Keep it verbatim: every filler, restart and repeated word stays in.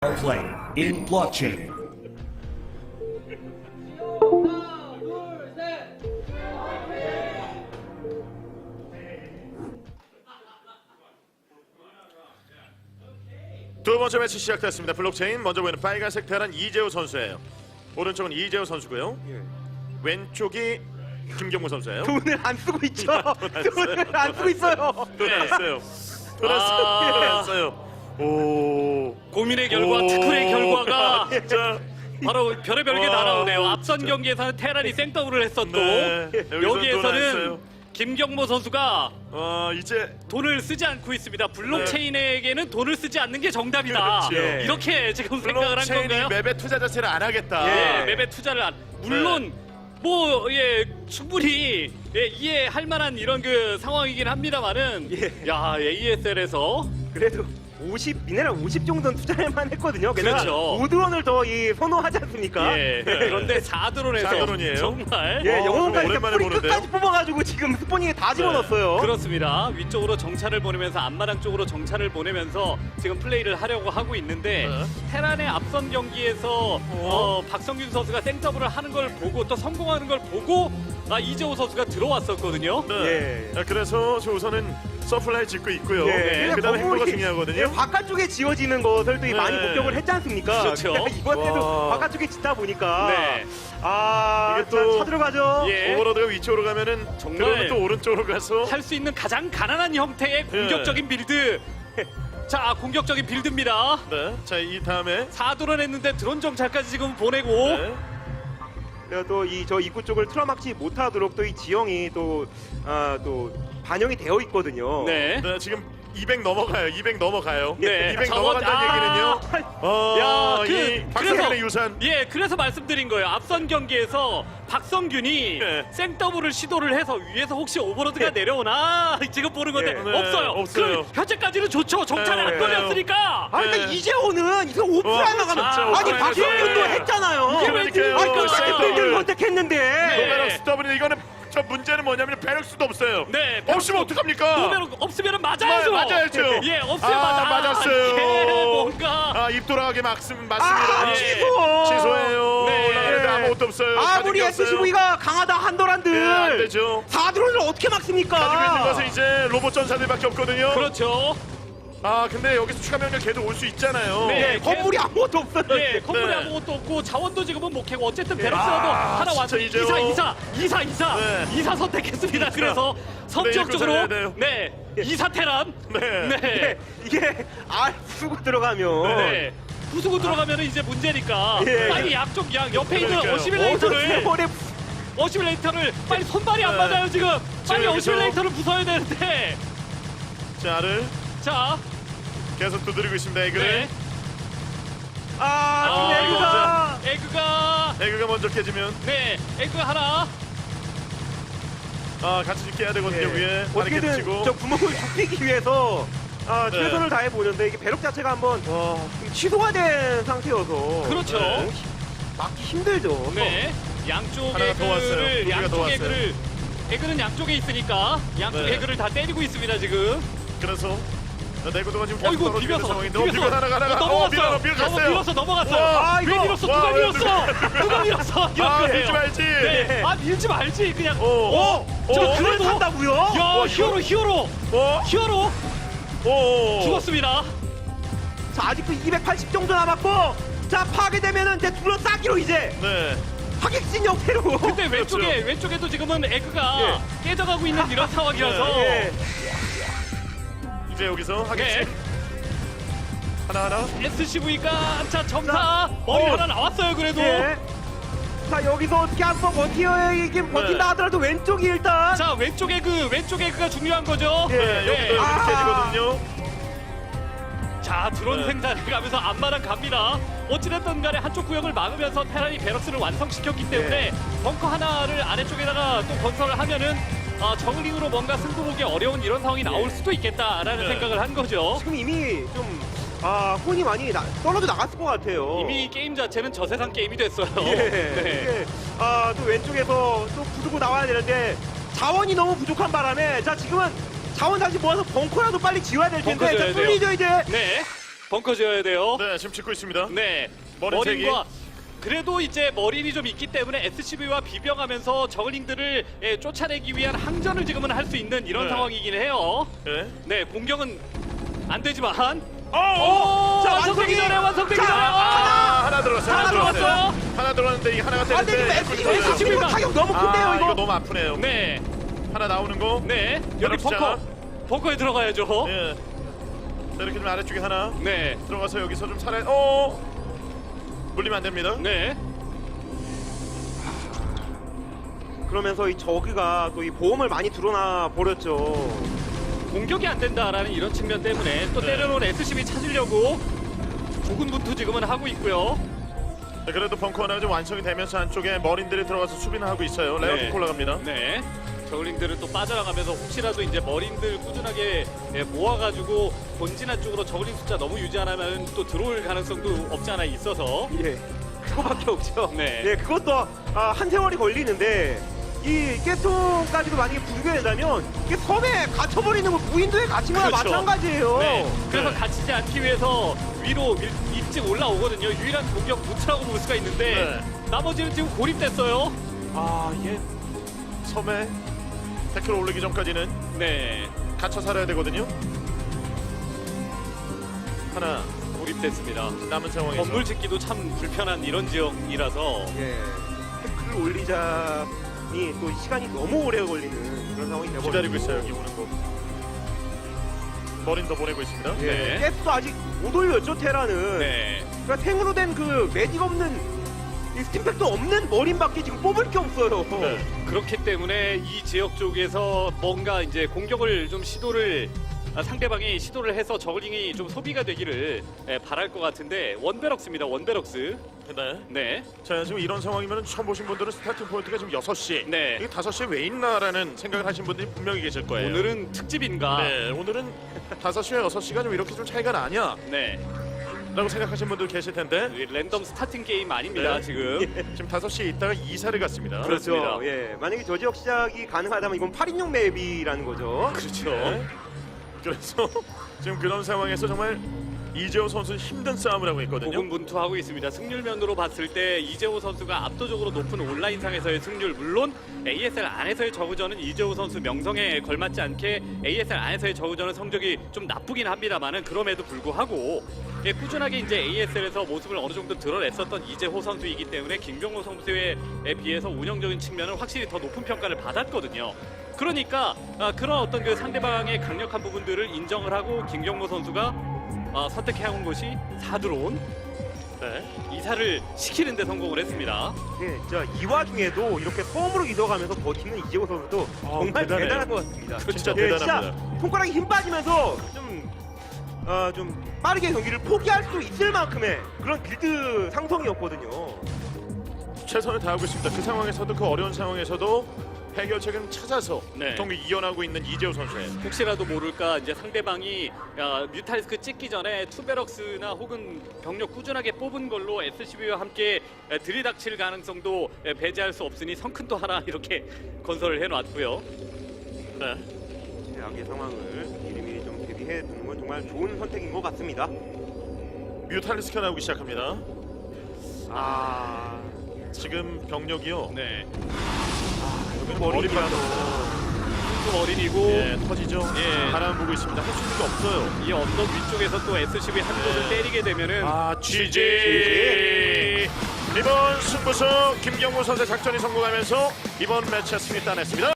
Play in blockchain. 두 번째 매치 시작됐습니다. 블록체인 먼저 보이는 빨간색 테란 이재호 선수예요. 오른쪽은 이재호 선수고요. 예. 왼쪽이 김경무 선수예요. 돈을 안 쓰고 있죠. 안 돈을 안 쓰고 있어요. 돈 안 써요. 돈 안 써요. 아. 돈 안 써요. 오. 고민의 결과, 오. 특훈의 결과가 진짜. 바로 별의별 게 와, 다 나오네요. 앞선 진짜. 경기에서는 테란이 생더블을 했었고 네. 여기서는 돈안 여기에서는 써요. 김경모 선수가 어 이제 돈을 쓰지 않고 있습니다. 블록체인에게는 돈을 쓰지 않는 게 정답이다. 그렇죠. 예. 이렇게 지금 생각을 한 블록체인이 건가요? 맵에 투자 자체를 안 하겠다. 예, 맵에 투자를 안. 물론 뭐 예 충분히 예, 이해할 만한 이런 그 상황이긴 합니다만은 예. 야 에이에스엘에서 그래도 오십 미네랄 오십 정도는 투자할만 했거든요. 게다가 그렇죠. 오드런을 더 이 선호하지 않습니까? 예 그런데 사 드론에서 사 드론이에요? 정말 예, 어, 영혼까지 오랜만에 뿌리 보는데요? 끝까지 뽑아가지고 지금 스포닝에 다 집어넣었어요. 그렇습니다. 위쪽으로 정찰을 보내면서 앞마당 쪽으로 정찰을 보내면서 지금 플레이를 하려고 하고 있는데 네. 테란의 앞선 경기에서 어, 박성균 선수가 생더블을 하는 걸 보고 또 성공하는 걸 보고 아, 이재호 선수가 들어왔었거든요. 네. 예. 아, 그래서 저 우선은 서플라이 짓고 있고요. 예, 그 다음에 행보가 건물이, 중요하거든요. 예, 바깥쪽에 지어지는 것을 또 이 네. 많이 목격을 했지 않습니까? 그렇죠. 근데 이번에도 와. 바깥쪽에 짓다 보니까 네. 아, 이게 자, 또- 쳐들어가죠. 예. 오버로드가 위쪽으로 가면은 정말 그러면 또 오른쪽으로 가서 할 수 있는 가장 가난한 형태의 공격적인 빌드. 자, 공격적인 빌드입니다. 네. 자, 이 다음에 사 드론 했는데 드론 정찰까지 지금 보내고 네. 그래서 또 이 저 입구 쪽을 틀어막지 못하도록 또 이 지형이 또 아, 또 반영이 되어 있거든요. 네. 네, 지금 이백 넘어가요. 이백 넘어가요. 네. 이백 저거- 넘어간다는 아. 얘기는요. 어, 야, 그- 이 박성균의 그래서- 유산. 예, 그래서 말씀드린 거예요. 앞선 경기에서 박성균이 네. 생더블을 시도를 해서 위에서 혹시 오버로드가 네. 내려오나 지금 보는 건데 네. 네, 없어요. 없어요. 그럼 현재까지는 좋죠. 정찰이 네. 안 걸렸으니까. 아, 그러니까 네. 이재호는 이거 오프라인 어, 나가면 진짜 아니 오프라인에서. 박성균도 네. 했잖아요. 그러니까요. 아니 똑같은 있어요. 빌드를 선택했는데. 네. 노베럭스 더블 이거는 저 문제는 뭐냐면 배럭스도 없어요. 네, 없으면 어떡합니까? 노베로 없으면 맞아야죠. 마- 맞아야죠. 예, 없으면 아, 맞아. 맞았어요. 예, 뭔가 아, 입 돌아가게 막습, 맞습니다. 아, 예. 취소. 취소해요. 네. 올라가는데 아무것도 없어요. 아무리 가진 게 없어요. 에스씨브이가 강하다 예, 안 한도란들 되죠. 사드론을 어떻게 막습니까? 가지고 있는 것은 이제 로봇 전사들밖에 없거든요. 그렇죠. 아, 근데 여기서 추가 명령 걔도 올 수 있잖아요. 네. 예, 건물이 아무것도 없어요. 예, 건물이 네. 아무것도 없고 자원도 지금은 못 캐고 어쨌든 베럭스라도 아, 하나 왔어. 진짜 이사 이제요. 이사 이사 이사 네. 이사 선택했습니다. 그래서 성격 네, 쪽으로 이거 살려야 돼요. 네 이사 테란 네. 네. 예, 이게 아 쓰고 들어가면 네. 부수고 들어가면 이제 문제니까 예. 빨리 양쪽 양 옆에 있는 그러니까요. 어시밀레이터를 세월에 어시밀레이터를 빨리 손발이 안 네. 맞아요 지금 빨리 여기서- 어시밀레이터를 부숴야 되는데 자를 자 계속 두드리고 있습니다. 에그를. 네. 아, 아, 에그가 에그가 에그가 먼저 깨지면 네 에그 하나 아, 같이 깨야 되거든요. 예. 위에 어떻게든 바리케드 치고. 저 구멍을 좁히기 위해서 아, 네. 최선을 다해 보는데 이게 배럭 자체가 한번 와. 지금 취소가 된 상태여서 그렇죠. 네. 막기 힘들죠. 네, 양쪽 하나가 더 왔어요. 두 에그를 개가 더 양쪽 왔어요. 에그를 에그는 양쪽에 있으니까 양쪽 네. 에그를 다 때리고 있습니다 지금. 그래서 내구도가 지금 계속 어이구 떨어지고 있는 비벼서 상황인데 어, 비벼 비벼서 하나가 하나가 어, 어, 넘어갔어요. 밀어, 밀어 넘어 갔어요. 밀어서 넘어갔어요. 와, 아, 왜 이거- 밀었어? 와, 누가 왜 밀었어? 누가 밀었어? 아, 이렇게 밀지 말지. 네, 아 밀지 말지 그냥. 오. 어, 저 오. 그래도 산다고요? 야 와, 히어로 히어로 어? 히어로 오. 죽었습니다. 자, 아직도 이백팔십 정도 남았고 자, 파괴되면은 이제 둘러싸기로 이제 네. 하객진 형태로 근데 왼쪽에 그렇죠. 왼쪽에도 지금은 에그가 깨져가고 있는 이런 상황이라서. 예. 이제 여기서 하겠지. 네. 하나 하나. 에스씨브이가 자 점사 자, 머리 어. 하나 나왔어요 그래도. 예. 자, 여기서 어떻게 한번 버티긴 버틴다 하더라도 왼쪽이 일단 자 왼쪽에 그 왼쪽에 그가 중요한 거죠. 예. 네, 여기도 네. 여기 아. 깨지거든요. 자 드론 네. 생산을 가면서 앞마당 갑니다. 어찌됐든 간에 한쪽 구역을 막으면서 테란이 베럭스를 완성시켰기 때문에 벙커 하나를 아래쪽에다가 또 건설을 하면은 아, 저글링으로 뭔가 승부 보기 어려운 이런 상황이 나올 수도 있겠다라는 네. 생각을 한 거죠. 지금 이미 좀 아, 혼이 많이 나, 떨어져 나갔을 것 같아요. 이미 게임 자체는 저세상 게임이 됐어요. 예. 네. 이게 아, 또 왼쪽에서 또 부수고 나와야 되는데 자원이 너무 부족한 바람에 자, 지금은 자원 다시 모아서 벙커라도 빨리 지어야 될 텐데 벙커 자, 지어야 돼요. 뚫리죠 이제. 네. 벙커 지어야 돼요. 네, 지금 짓고 있습니다. 네. 머린 세 개. 머린과 그래도 이제 머린이 좀 있기 때문에 에스씨비와 비벼가면서 저글링들을 예, 쫓아내기 위한 항전을 지금은 할 수 있는 이런 네. 상황이긴 해요. 네. 네, 공격은 안 되지만 어, 오! 자, 완성되기 완성이- 전에 완성되기 자, 전에 아, 아! 하나 들어왔어요. 하나 들어왔어요. 하나 들어왔는데 이게 하나가 안 되겠다. 되는데 에스씨비 에스씨비 타격 너무 큰데요, 아, 이거. 이거 너무 아프네요. 네, 하나 나오는 거. 네. 여기 벼락시장. 벙커, 벙커에 들어가야죠. 예. 자, 이렇게 좀 아래쪽에 하나 네, 들어가서 여기서 좀 살아. 어. 물리면 안 됩니다. 네. 그러면서 이 저그가 또 이 보험을 많이 드러나 버렸죠. 공격이 안 된다라는 이런 측면 때문에 또 네. 때려놓은 에스씨비 찾으려고 조근분투 지금은 하고 있고요. 네, 그래도 벙커 하나가 좀 완성이 되면서 안쪽에 머린들이 들어가서 수비는 하고 있어요. 레어도 네. 올라갑니다. 네. 저글링들은 또 빠져나가면서 혹시라도 이제 머린들 꾸준하게 예, 모아가지고 본진한 쪽으로 저글링 숫자 너무 유지 안 하면 또 들어올 가능성도 없지 않아 있어서 예, 그거밖에 없죠. 네. 예, 그것도 아, 한 세월이 걸리는데 이 깨통까지도 만약에 붕괴된다면 이게 섬에 갇혀버리는 거 무인도에 갇힌 거나 그렇죠. 마찬가지예요. 네. 그래서 네. 갇히지 않기 위해서 위로 일, 일찍 올라오거든요. 유일한 공격 루트라고 볼 수가 있는데 네. 나머지는 지금 고립됐어요. 아, 이게 섬에 백 킬로 올리기 전까지는 네. 갇혀 살아야 되거든요. 하나 고립됐습니다. 남은 상황에서 건물 짓기도 참 불편한 이런 지역이라서 예, 태클을 올리자니 또 시간이 너무 오래 걸리는 그런 상황이 되버리고 기다리고 있어요. 여기 오는 거. 머린 더 보내고 있습니다. 예, 네. 가스도 아직 못 올렸죠 테라는. 네. 그러니까 탱으로 된 그 매직 없는 이 스팀팩도 없는 머린밖에 지금 뽑을 게 없어요. 네. 그렇기 때문에 이 지역 쪽에서 뭔가 이제 공격을 좀 시도를 아, 상대방이 시도를 해서 저글링이 좀 소비가 되기를 예, 바랄 것 같은데 원베럭스입니다. 원베럭스. 네. 네. 자, 지금 이런 상황이면 처음 보신 분들은 스타팅 포인트가 지금 여섯 시. 네. 이게 다섯 시에 왜 있나라는 생각을 하신 분들이 분명히 계실 거예요. 오늘은 특집인가? 네, 오늘은 다섯 시와 여섯 시가 좀 이렇게 좀 차이가 나냐? 네. 라고 생각하신 분들 계실 텐데 이 랜덤 스타팅 게임 아닙니다. 네. 지금. 지금 다섯 시에 있다가 이사를 갔습니다. 그렇죠. 그렇습니다. 예, 만약에 저 지역 시작이 가능하다면 이건 팔 인용 맵이라는 거죠. 그렇죠. 네. 그래서 지금 그런 상황에서 정말 이재호 선수는 힘든 싸움을 하고 있거든요. 고군분투하고 있습니다. 승률면으로 봤을 때 이재호 선수가 압도적으로 높은 온라인상에서의 승률, 물론 에이에스엘 안에서의 저그전은 이재호 선수 명성에 걸맞지 않게 에이에스엘 안에서의 저그전은 성적이 좀 나쁘긴 합니다만은 그럼에도 불구하고 예, 꾸준하게 이제 에이에스엘에서 모습을 어느 정도 드러냈었던 이재호 선수이기 때문에 김경호 선수에 비해서 운영적인 측면은 확실히 더 높은 평가를 받았거든요. 그러니까 아, 그런 어떤 그 상대방의 강력한 부분들을 인정을 하고 김경호 선수가 아, 선택해온 것이 사드론 네. 이사를 시키는 데 성공을 했습니다. 예, 진짜 이 와중에도 이렇게 섬으로 이동하면서 버티는 이재호 선수도 정말 대단해요. 대단한 것 같습니다. 진짜 예, 대단합니다. 진짜 손가락에 힘 빠지면서 좀, 어, 좀 빠르게 경기를 포기할 수 있을 만큼의 그런 빌드 상성이었거든요. 최선을 다하고 있습니다. 그 상황에서도 그 어려운 상황에서도 해결책을 찾아서 네. 경기 이어나고 있는 이재호 선수예요. 혹시라도 모를까 이제 상대방이 야, 뮤탈리스크 찍기 전에 투베럭스나 혹은 병력 꾸준하게 뽑은 걸로 에스씨비와 함께 에, 들이닥칠 가능성도 에, 배제할 수 없으니 성큰도 하나 이렇게 건설을 해놨고요. 네. 최악의 상황을 미리미리 좀 대비해 두는 건 정말 좋은 선택인 것 같습니다. 뮤탈리스크가 나오기 시작합니다. 아, 지금 병력이요. 네, 여기 머리 머리라도 빠져. 좀 어린이고 예, 터지죠. 예. 바람 보고 있습니다. 할 수 있는 게 없어요. 이 언덕 위쪽에서 또 에스씨비 한 곳을 네. 때리게 되면은 아, 지지. 이번 승부수 김경호 선수의 작전이 성공하면서 이번 매치 승리 따냈습니다.